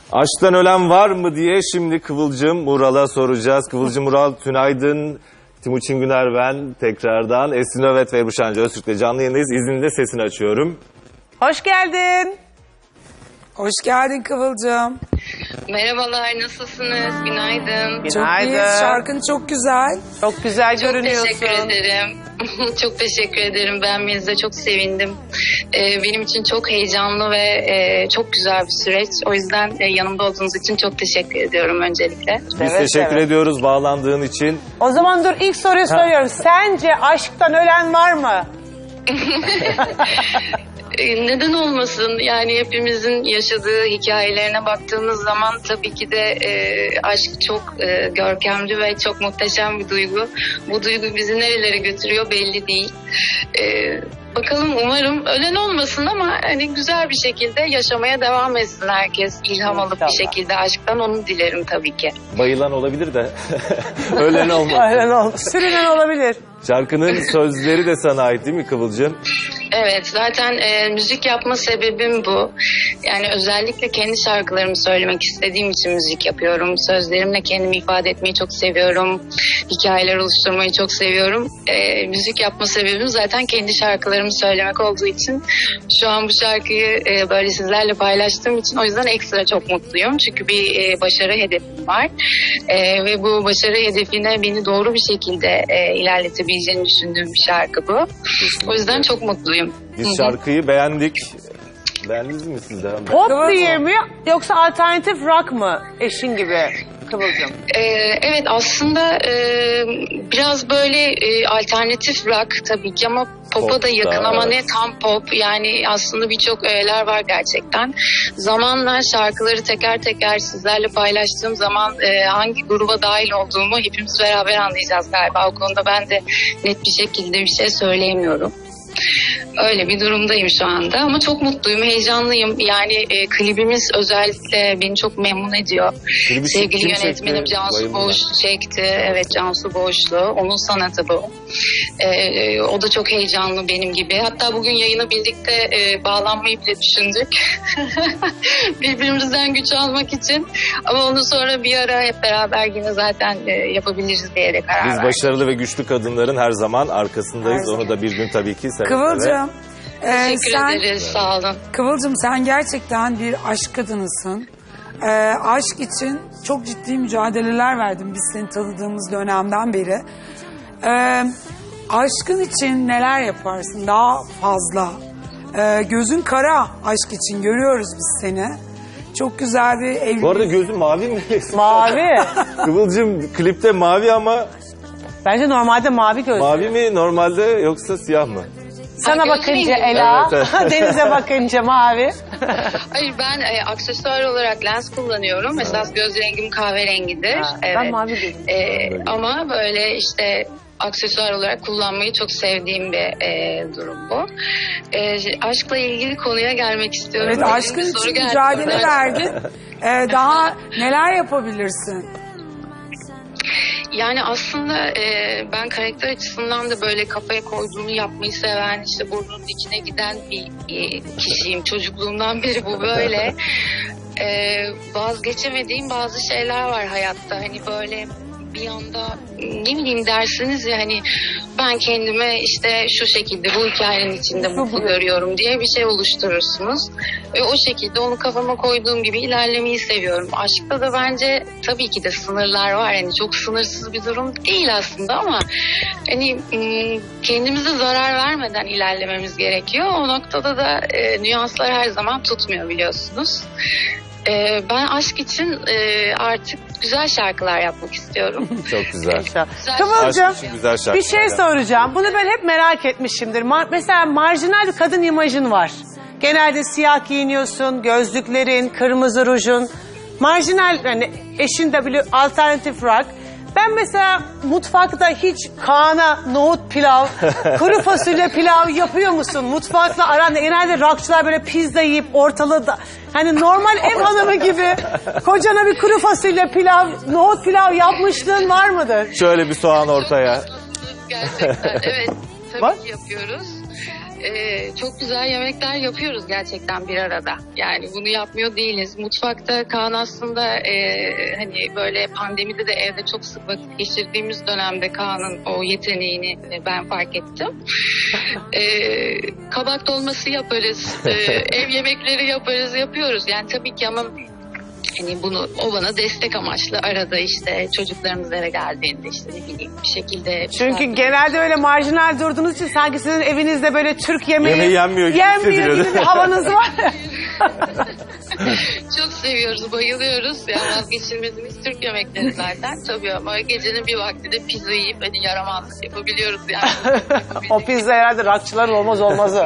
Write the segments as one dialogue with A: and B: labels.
A: Aşktan ölen var mı diye şimdi Kıvılcım Mural'a soracağız. Kıvılcım Mural, tünaydın. Timuçin Güner ben tekrardan. Esin Övet ve Ebru Şancı Öztürk'le canlı yayındayız. İzninle sesini açıyorum.
B: Hoş geldin.
C: Hoş geldin Kıvılcım.
D: Merhabalar, nasılsınız? Günaydın.
C: Çok iyiyiz. Şarkın çok güzel.
B: Çok güzel
D: Çok
B: görünüyorsun.
D: teşekkür ederim. Çok teşekkür ederim. Beğenmenize çok sevindim. Benim için çok heyecanlı ve çok güzel bir süreç. O yüzden yanımda olduğunuz için çok teşekkür ediyorum öncelikle.
A: Biz teşekkür ediyoruz bağlandığın için.
B: O zaman dur ilk soruyu soruyorum. Sence aşktan ölen var mı?
D: Neden olmasın? Yani hepimizin yaşadığı hikayelerine baktığımız zaman tabii ki de aşk çok görkemli ve çok muhteşem bir duygu. Bu duygu bizi nerelere götürüyor belli değil. Bakalım, umarım ölen olmasın ama hani güzel bir şekilde yaşamaya devam etsin herkes. İlham alıp bir şekilde aşktan, onu dilerim tabii ki.
A: Bayılan olabilir de ölen olmaz.
B: Ölen olmuş. Sürünen olabilir.
A: Şarkının sözleri de sana ait değil mi Kıvılcım?
D: Evet, zaten müzik yapma sebebim bu. Yani özellikle kendi şarkılarımı söylemek istediğim için müzik yapıyorum. Sözlerimle kendimi ifade etmeyi çok seviyorum. Hikayeler oluşturmayı çok seviyorum. Müzik yapma sebebim zaten kendi şarkılarımı söylemek olduğu için şu an bu şarkıyı böyle sizlerle paylaştığım için o yüzden ekstra çok mutluyum. Çünkü bir başarı hedefim var. Ve bu başarı hedefine beni doğru bir şekilde ilerletebileceğini düşündüğüm bir şarkı bu. O yüzden çok mutluyum.
A: Biz şarkıyı beğendik. Beğendiniz mi siz de?
B: Pop diye mi yoksa alternatif rock mı eşin gibi Kıvılcım?
D: Evet, aslında biraz böyle alternatif rock tabii ki ama pop'a da yakın ama ne tam pop. Yani aslında birçok öğeler var gerçekten. Zamanla şarkıları teker teker sizlerle paylaştığım zaman hangi gruba dahil olduğumu hepimiz beraber anlayacağız galiba. O konuda ben de net bir şekilde bir şey söyleyemiyorum. Öyle bir durumdayım şu anda ama çok mutluyum, heyecanlıyım. Yani klibimiz özellikle beni çok memnun ediyor. Sevgili yönetmenim Cansu Boğuş çekti. Evet, Cansu Boğuşlu. Onun sanatı bu. O da çok heyecanlı benim gibi. Hatta bugün yayına birlikte bağlanmayı bile düşündük. Birbirimizden güç almak için. Ama onu sonra bir ara hep beraber yine zaten yapabiliriz diyerek karar verdik.
A: Biz başarılı ve güçlü kadınların her zaman arkasındayız. Onu da bir gün tabii ki seve
C: Kıvılcım.
D: Teşekkür ederiz, sağ olun.
C: Kıvılcım, sen gerçekten bir aşk kadınısın. Aşk için çok ciddi mücadeleler verdin biz seni tanıdığımız dönemden beri. Aşkın için neler yaparsın daha fazla? Gözün kara aşk için, görüyoruz biz seni. Çok güzel bir evlilik.
A: Bu arada gözün mavi mi?
B: Mavi.
A: Kıvılcım klipte mavi ama
B: Bence normalde mavi gözlü.
A: mavi mi normalde yoksa siyah mı?
B: Sana
D: Gözlü
B: bakınca
D: miyim?
B: Ela,
A: Evet,
B: denize bakınca mavi.
D: Hayır, ben aksesuar olarak lens kullanıyorum. Esas göz rengim kahverengidir. Evet.
B: Ben mavi dedim.
D: Ama böyle işte aksesuar olarak kullanmayı çok sevdiğim bir durum bu. Aşkla ilgili konuya gelmek istiyorum.
C: Evet, aşkın
D: Bir soru
C: için
D: geldi.
C: mücadele verdin. Daha neler yapabilirsin?
D: Yani aslında ben karakter açısından da böyle kafaya koyduğunu yapmayı seven, işte burnunun içine giden bir kişiyim. Çocukluğumdan beri bu böyle. Vazgeçemediğim bazı şeyler var hayatta. Hani böyle bir anda ne bileyim dersiniz ya, hani ben kendime işte şu şekilde bu hikayenin içinde mutlu görüyorum diye bir şey oluşturursunuz. Ve o şekilde onu kafama koyduğum gibi ilerlemeyi seviyorum. Aşkta da bence tabii ki de sınırlar var. Yani çok sınırsız bir durum değil aslında ama hani kendimize zarar vermeden ilerlememiz gerekiyor. O noktada da nüanslar her zaman tutmuyor, biliyorsunuz. Ben aşk için artık güzel şarkılar yapmak istiyorum.
A: Çok güzel.
B: Kıvılcım,
A: Aşk için güzel şarkılar
B: bir şey soracağım. Bunu ben hep merak etmişimdir. Mesela marjinal bir kadın imajın var. Genelde siyah giyiniyorsun, gözlüklerin, kırmızı rujun. Marjinal, hani eşin de biliyor, alternatif rock. Ben mesela mutfakta hiç Kaan'a nohut pilav, kuru fasulye pilav yapıyor musun? Mutfakla aranda genelde rockçılar böyle pizza yiyip ortalığı da... Hani normal ev hanımı gibi kocana bir kuru fasulye pilav, nohut pilav yapmışlığın var mıdır?
A: Şöyle bir soğan ortaya.
D: Gerçekten evet, tabii
A: Var?
D: ki yapıyoruz. Çok güzel yemekler yapıyoruz gerçekten bir arada. Yani bunu yapmıyor değiliz. Mutfakta Kaan aslında hani böyle pandemide de evde çok sık vakit geçirdiğimiz dönemde Kaan'ın o yeteneğini ben fark ettim. Kabak dolması yaparız, ev yemekleri yaparız, yapıyoruz. Yani tabii ki ama hani bunu o bana destek amaçlı arada işte çocuklarımız eve geldiğinde işte ne bileyim bir şekilde.
B: Çünkü genelde öyle marjinal durduğunuz için sanki sizin evinizde böyle Türk yemeği
A: Yemeği yenmiyor gibi hissediliyordu.
B: gibi bir havanız var.
D: Çok seviyoruz, bayılıyoruz. Yani vazgeçilmezimiz Türk yemekleri zaten. Tabii ama gecenin bir vakti de pizza yiyip hani yaramazlık yapabiliyoruz yani.
B: O pizza herhalde rockçıların olmazı.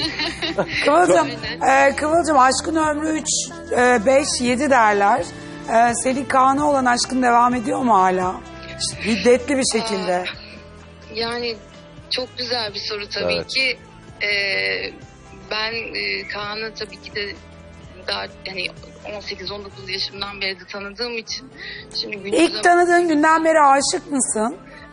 C: Kıvılcım aşkın ömrü 3, 5, 7 derler. Senin Kaan'a olan aşkın devam ediyor mu hala? Hiddetli bir şekilde.
D: Yani çok güzel bir soru tabii
A: Evet.
D: ki. Ben Kaan'ı tabii ki de daha hani 18-19 yaşımdan beri de tanıdığım için şimdi
C: İlk tanıdığın günden beri aşık mısın?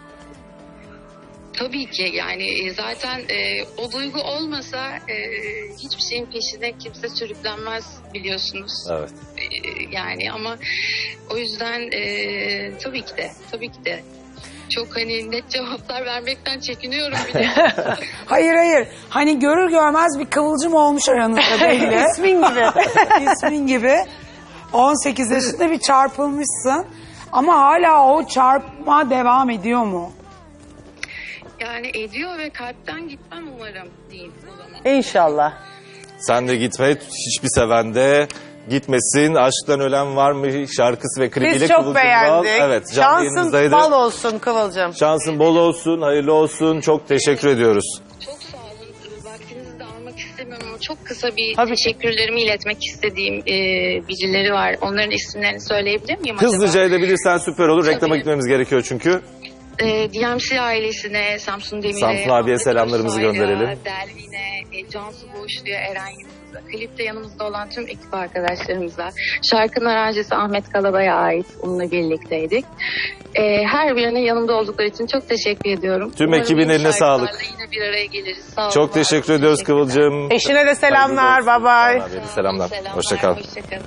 D: tabii ki yani zaten o duygu olmasa hiçbir şeyin peşine kimse sürüklenmez biliyorsunuz.
A: Evet.
D: Yani ama o yüzden tabii ki de çok hani net cevaplar vermekten çekiniyorum bile.
C: Hayır. Hani görür görmez bir kıvılcım olmuş aranızda belli.
B: İsmin gibi.
C: İsmin gibi. 18 yaşında bir çarpılmışsın. Ama hala o çarpma devam ediyor mu?
D: Yani ediyor ve kalpten gitmem umarım diyeyim o zaman.
B: İnşallah.
A: Sen de gitme, hiçbir seven de gitmesin. Aşktan ölen var mı şarkısı ve klibiyle
B: Biz çok
A: Kıvılcım Ural.
B: beğendik.
A: Evet, canlı
B: Şansın
A: yayınımızdaydı.
B: bal olsun Kıvılcım.
A: Şansın bol olsun, hayırlı olsun. Çok teşekkür ediyoruz.
D: Çok sağ olun. Vaktinizi de almak istemiyorum ama çok kısa bir
B: Tabii ki.
D: teşekkürlerimi iletmek istediğim birileri var. Onların isimlerini söyleyebilir miyim
A: Hızlıca
D: acaba?
A: edebilirsen süper olur. Reklama
D: Tabii.
A: gitmemiz gerekiyor çünkü.
D: DMC ailesine, Samsun Demir'e,
A: Samsun abiye
D: Ahmet
A: selamlarımızı
D: Özsoy'a,
A: gönderelim.
D: Delvin'e, Cansu Boğuşlu'ya, Eren Yıldız'a, klipte yanımızda olan tüm ekip arkadaşlarımıza, şarkının aranjesi Ahmet Kalabay'a ait, onunla birlikteydik. Her birine yanımda oldukları için çok teşekkür ediyorum.
A: Tüm
D: Umarım
A: ekibin
D: yeni
A: eline
D: şarkılarla
A: sağlık.
D: Yine bir araya geliriz. Sağ olun,
A: Çok
D: var olun.
A: teşekkür ediyoruz Kıvılcım.
B: Eşine de selamlar.
A: Hayırlı olsun.
B: Bye bye.
A: Kaan abiye de selamlar.
D: Selamlar,
A: Hoşça kal.
D: hoşça kalın.